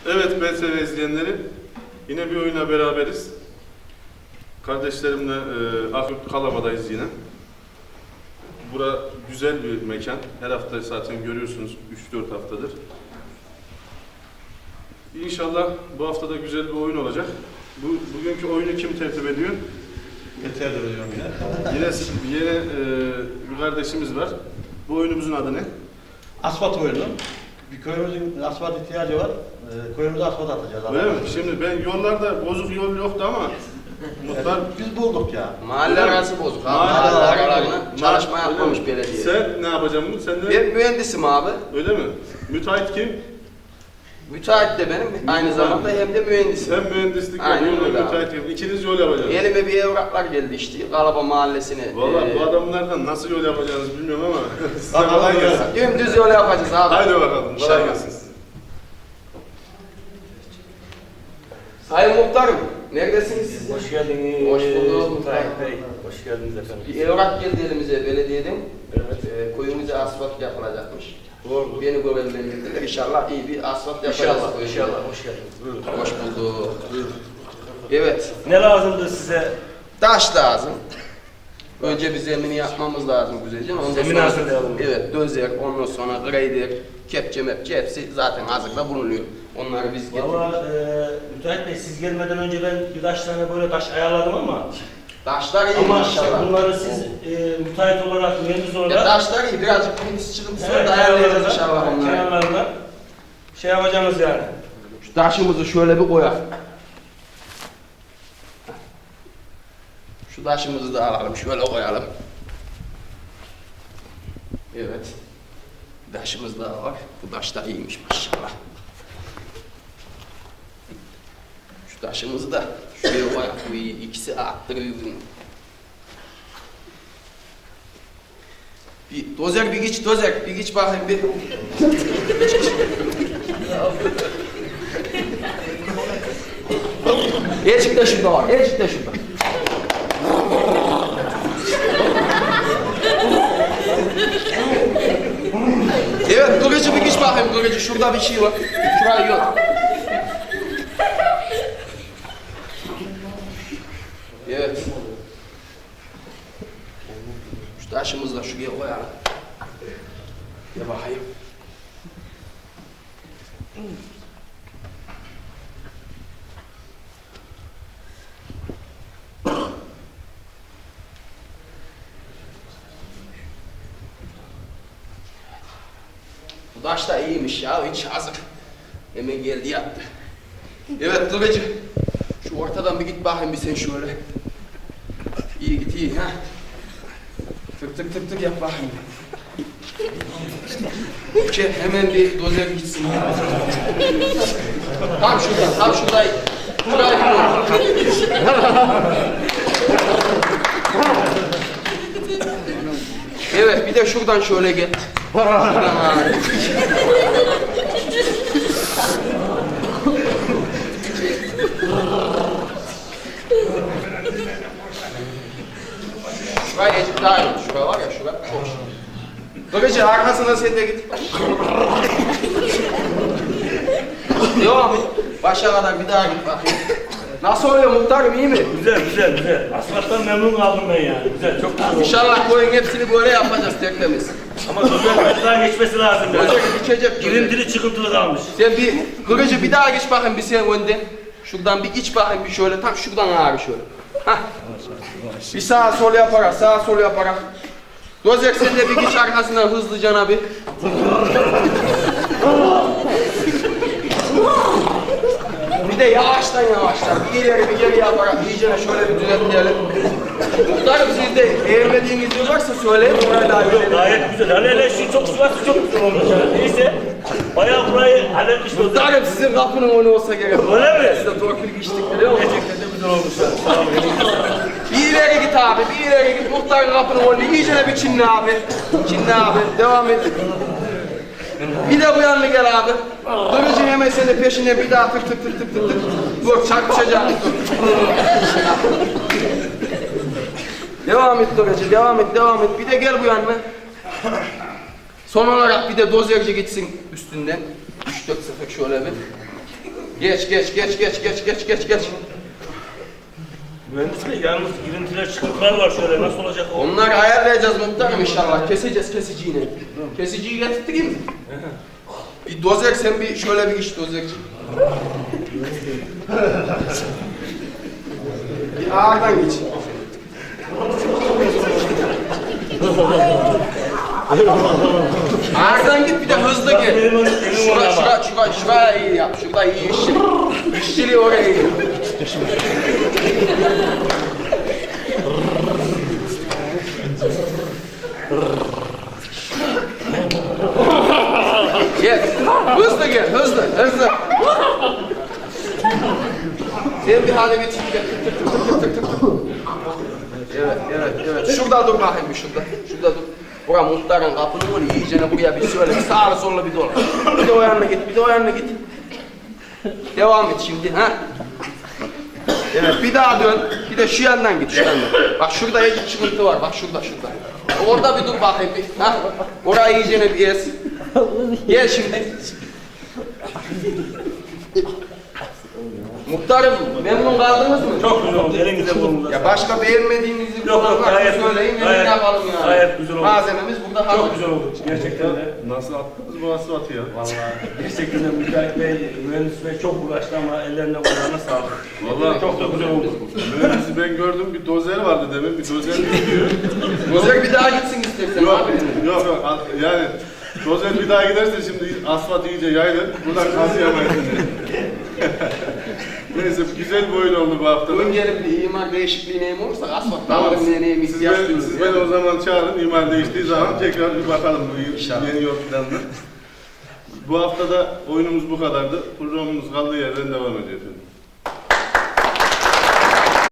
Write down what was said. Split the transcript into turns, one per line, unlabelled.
Evet BTV izleyenleri, yine bir oyuna beraberiz. Kardeşlerimle Afyon Kalaba'dayız yine. Bura güzel bir mekan. Her hafta zaten görüyorsunuz 3-4 haftadır. İnşallah bu hafta da güzel bir oyun olacak. Bugünkü oyunu kim tertip ediyor?
Tertip ediyorum yine.
Yine bir kardeşimiz var. Bu oyunumuzun adı ne?
Asfalt oyunu. Bir köyümüzün asfalt ihtiyacı var. Köyümüze asfalt atacağız.
Öyle mi? Şimdi ben yollarda bozuk yol yoktu ama muhtar...
Biz bulduk ya.
Mahalle arası bozuk. Mahalle aralarına çalışma yapmamış belediye.
Sen ne yapacaksın bunu? Sen de...
Ben mühendisim abi.
Öyle mi? Müteahhit kim?
Müteahhit de benim. Aynı zamanda hem de mühendisim.
Sen mühendislik
Aynen
yapıyorsun,
öyle
müteahhit yapıyorsun. İkiniz yol yapacaksınız.
Elime bir evraklar geldi işte. Kalaba mahallesine.
Valla bu adamlardan nasıl yol yapacağınızı bilmiyorum ama size kolay gelsin.
Dümdüz yol yapacağız abi.
Haydi bakalım, kolay gelsin.
Sayın Muhtarım, neredesiniz siz?
Hoş geldiniz.
Hoş bulduk.
Muhtarım Bey. Hoş geldiniz efendim.
Bir evrak geldi elimize belediyeden.
Evet.
Köyümüze asfalt yapılacakmış.
Doğru.
Beni görevlendirdiler. İnşallah iyi bir asfalt yapacağız.
İnşallah. Hoş geldiniz. Buyurun.
Hoş bulduk. Evet.
Ne lazımdı size?
Taş lazım. Önce bir zemini yapmamız lazım güzelce. Ondan
Zemin
sonra,
hazırlayalım.
Evet, dözer, ondan sonra grader, kepçe mepçe hepsi zaten hazırda bulunuyor. Onları biz getiriyoruz.
Valla Müteahhit Bey siz gelmeden önce ben birkaç tane böyle taş ayarladım ama
Taşlar iyi
ama
maşallah.
bunları siz müteahhit olarak, mühendis olarak
Ya taşlar iyi, birazcık birimiz çıkıntısı var da ayarlayacağız inşallah onları.
kenarlarına şey yapacağımız yani.
Şu taşımızı şöyle bir koyalım. Şu taşımızı da alalım, şöyle koyalım. Evet. Bir taşımız daha var. Bu taş da iyiymiş maşallah. Şu taşımızı da şuraya koyalım. Bu iyi. İkisi arttırıyor bunu. Bir dozer bir geç, dozer bir geç bakayım bir. Elçik de şurada var, elçik de şurada. Evet, kılıcı bir geç bakayım kılıcı. Şurada bir şey var. Şurayı yok. Evet. Şu taşımızı da şuraya koyalım. Gel bakayım. Bu taş da iyiymiş ya, hiç hazır. Hemen geldi yattı. Evet Kılıcı, şu ortadan bir git bakayım bir sen şöyle. İyi git iyi ha. Tık tık tık tık yap bakayım. Hemen bir dozer gitsin. Tam şurada, tam şurada. Şuraya gidiyor. Evet, bir de şuradan şöyle git. Şuradan Şuraya geçip daha iyi. Şura var ya, şura çok şey. Bakıcı arkasına sen de git. Devam et. Başa kadar bir daha git bakayım. Nasıl oluyor muhtarım, iyi mi?
Güzel. Asfalttan memnun kaldım ben yani. Güzel, çok güzel oldu.
İnşallah koyun hepsini böyle yapacağız tertemiz.
Ama güzel daha geçmesi lazım yani.
Olacak, geçecek.
Girintili çıkıntılı kalmış.
Sen bir, Kılıcı bir daha geç bakayım bir sen önden. Şuradan bir iç bakayım bir şöyle, tam şuradan abi şöyle. Hah. Bir sağa sol yaparak, sağa sol yaparak. Dozer sen de bir geç arkasından hızlıca bir. Bir de yavaştan, bir ileri bir geri yaparak iyicene şöyle bir düzeltleyelim. Muhtarım siz de beğenmediğiniz yer varsa söyleyin, oraya da halledelim.
Gayet güzel. Hele şu çok sıvası çok güzel olmuş yani. Neyse. Bayağı burayı halletmiş olduk.
Muhtarım sizin kapının önü olsa gerek.
Öyle mi?
Size torpil geçtik biliyor musun?
Gerçekten de güzel olmuşlar. Sağ olun.
Bir ileri git abi, bir ileri git. Muhtarın kapının önü iyicene bir çinli abi. Çinli abi, devam et. Bir de bu yanına gel abi. Kılıcın hemen senin peşine bir daha tık tık tık tık tık tık. Dur çarpışacağız dur. Devam et Kılıcı, devam et. Bir de gel bu yanına. Son olarak bir de dozerci gitsin üstünden. 3-4 sefer şöyle bir. Geç.
Mühendis bey yalnız girintiler çıkıntılar var şöyle nasıl olacak o?
Onları ayarlayacağız muhtarım inşallah. Keseceğiz kesiciyle. Kesiciyi getirttireyim mi? Bir dozer sen bir şöyle bir iş dozerci. Bir ağırdan geç. Ağırdan git bir de hızlı gel. Şuraya iyi yap. Şurada iyi işçilik. İşçiliği oraya iyi. Gel. Hızlı gel. Hızlı. Sen bir hale bir tık gel. Tık. Evet. Şurada dur bakayım bir şurada. Şurada dur. Bura muhtarın kapını vur. İyicene buraya bir şöyle bir sağlı sollu bir dolan. Bir de o yanına git. Devam et şimdi ha. Evet bir daha dön. Bir de şu yandan git şu yandan. Bak şurada bir çıkıntı var. Bak şurada. Orada bir dur bakayım bir. Ha? Orayı iyicene bir ez. Gel şimdi. Muhtarım memnun kaldınız mı?
Çok güzel oldu elinize bulunuza.
Ya başka beğenmediğinizi
Yok, gayet
söyleyin.
gayet-
Yapalım yani.
gayet güzel oldu.
Malzememiz burada hazır.
Çok güzel oldu gerçekten de.
Nasıl attınız bu asfaltı ya?
Vallahi gerçekten de Mücahit Bey, mühendis bey çok uğraştı ama ellerine kollarına sağlık.
Vallahi
Çok da güzel oldu.
mühendisi ben gördüm, bir dozer vardı demin, bir dozer gidiyor.
Dozer bir daha gitsin istersen
Yok,
abi.
yok, yani dozer bir daha giderse şimdi asfalt iyice yayılır, buradan kazıyamayız. Neyse, güzel bir oyun oldu bu hafta.
Bugün gelip bir imar değişikliği neyim olursa asfalt
Tamam,
neyim ihtiyaç duyuyoruz.
siz beni o zaman çağırın, imar değiştiği zaman tekrar bir bakalım bu
İnşallah.
yeni yol planına. Bu hafta da oyunumuz bu kadardı. Programımız kaldığı yerden devam ediyor efendim.